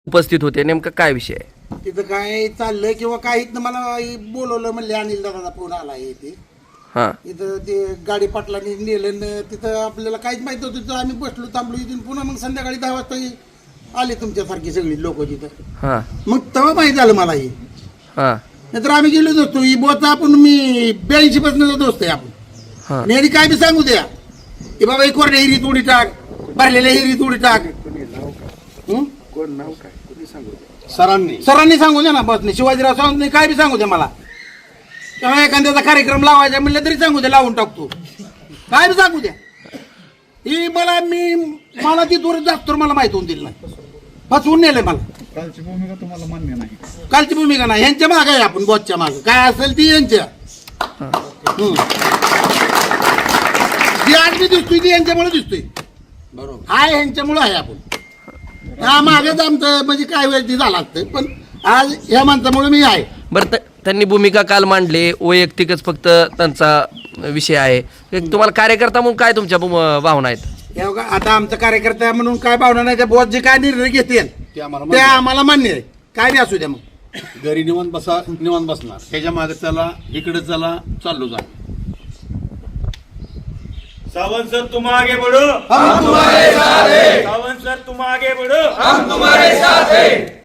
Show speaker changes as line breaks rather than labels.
उपस्थित होते, नेमका काय विषय आहे?
तिथं काय चाललंय किंवा काही मला बोलवलं म्हणले, अनिल दादाचा फोन आला आहे ते
हां
इथं ते गाडी पाटलांनी नेलं न तिथं आपल्याला काहीच माहित नव्हतं. तिथं आम्ही बसलो थांबलो इथून, पुन्हा मग संध्याकाळी 10 वाजता आले तुमच्यासारखी सगळी लोक तिथं.
हां
मग तेव्हा माहित झालं मला हे.
हां
नाहीतर आम्ही गेलो नसतो. ही बोचा आपण मी 82 पासून दोस्त आहे आपण.
हां
मी काय बी सांगू द्या की बाबा एक कोरड्या हिरीत उडी टाक, भरलेल्या हिरीत उडी टाक. सरांनी सांगू द्या ना, बसने शिवाजीराव सावंतने काय बी सांगू द्या मला. तेव्हा एखाद्याचा कार्यक्रम लावायचा म्हणलं तरी सांगू द्या, लावून टाकतो. काय बी सांगू द्या. ही मला ती दूर जास्त मला माहित होऊन दिली नाही, फसवून नेलंय मला.
कालची भूमिका तुम्हाला मान्य नाही?
कालची भूमिका नाही, ह्यांच्या माग आहे आपण, बॉसच्या माग काय असेल ती यांच्या. जी आज मी दिसतोय ती यांच्यामुळे दिसतोय. बरोबर हाय, ह्यांच्यामुळे आहे आपण. हा मागेच आमचं म्हणजे काय वेळ ती झाला असतं, पण आज ह्या माणसामुळे मी आहे.
बरं, त्यांनी भूमिका काल मांडली, वैयक्तिकच फक्त त्यांचा विषय आहे. तुम्हाला कार्यकर्ता म्हणून काय तुमच्या भावना आहेत?
हे बघा, आता आमचा कार्यकर्ता म्हणून काय भावना नाही. त्या बॉस जे काय निर्णय घेतील ते आम्हाला मान्य आहे. काय बी असू द्या. मग
घरी निवांत बसणार, त्याच्या मागे चला, इकडे चला, चाललो जा.
सावंत सर तुम आगे बढ़ो, हम तुम्हारे साथ हैं। सावंत सर तुम आगे बढ़ो, हम तुम्हारे साथ हैं।